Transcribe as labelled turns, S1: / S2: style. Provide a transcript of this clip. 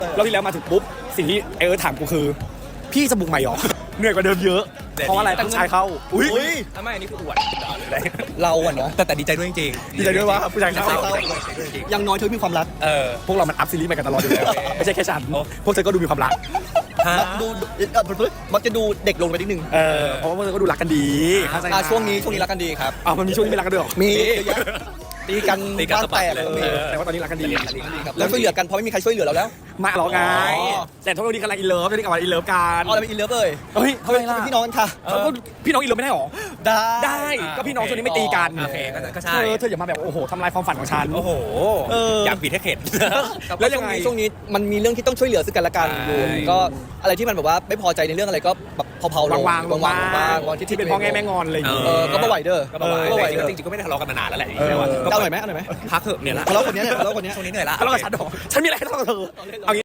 S1: แล้วที่แล้วมาถึงปุ๊บสิ่งที่ถามกูคือพี่จะบุกใหม่หรอเหนื่อยกว่าเดิมเยอะเพราะอะไรผู้ชายเข้าอุ้ย
S2: ทำไมอันนี้คืออวด
S3: เราอะเนาะ
S2: แต่ดีใจด้วยจริงๆ
S1: ดีใจด้วยว่าผู้ชายเข้า
S3: ยังน้อยเธอมีความรัก
S1: พวกเรามันอัพซีรีส์มากันตลอดอยู่แล้วไม่ใช่แค่ฉันพวกเธอก็ดูมีความรัก
S3: ดูมักจะดูเด็กลงไปนิดนึง
S1: เพราะว่าพวกเธอก็ดูรักกันดี
S3: ช่วงนี้รักกันดีครับ
S1: มันมีช่วงที่ไม่รักกันด้วยหรอ
S3: มีตีกันบ้านแตก
S1: แต่ว่าตอนนี้รักกันดี
S3: แล้วช่วยเหลือกันเพราะไม่มีใครช่วยเหลือเราแล้ว
S1: มาหรอไงแต่ทุกวันนี้กำลังอินเลิฟตอนนี้กำลังอินเลิฟกัน
S3: เอาอะไรเป็นอินเลิฟเลย
S1: เฮ้ยทำไมล่ะ
S3: พี่น้องกันค่ะ
S1: พี่น้องอินเลิฟไม่ได้หรอ
S3: ได้
S1: ก็พี่น้องช่วงนี้ไม่ตีกัน
S2: โอเคก็ใช่
S1: เธออย่ามาแบบโอ้โหทำลายความฝันของฉัน
S2: โอ้โหอยากบิดให้เข็ด
S3: แล้วยังไงช่วงนี้มันมีเรื่องที่ต้องช่วยเหลือซึ่งกันและกันอยู่ก็อะไรที่มันแบบว่าไม่พอใจในเรื่องอะไรก็แบบเผาๆลง
S1: วางที่เป็นพ่อแง่แม่งอนอะไรอย่างเงี้ย
S3: ก็บ่ไหวเด้อ
S2: ก็บอกว่าจริงๆก็ไม่ได้ทะเลาะกันมานานแล้วแหละ
S3: เอาหน่อยไหม
S2: พักเถอะเนี่ยละ
S3: ทะเลาะคนนี้
S2: ช่วงนี้เหนื่อยละ
S1: ทะเลาะกับฉันหรอฉันมีอะไรให้ทะเลาะกับเธอเอางี้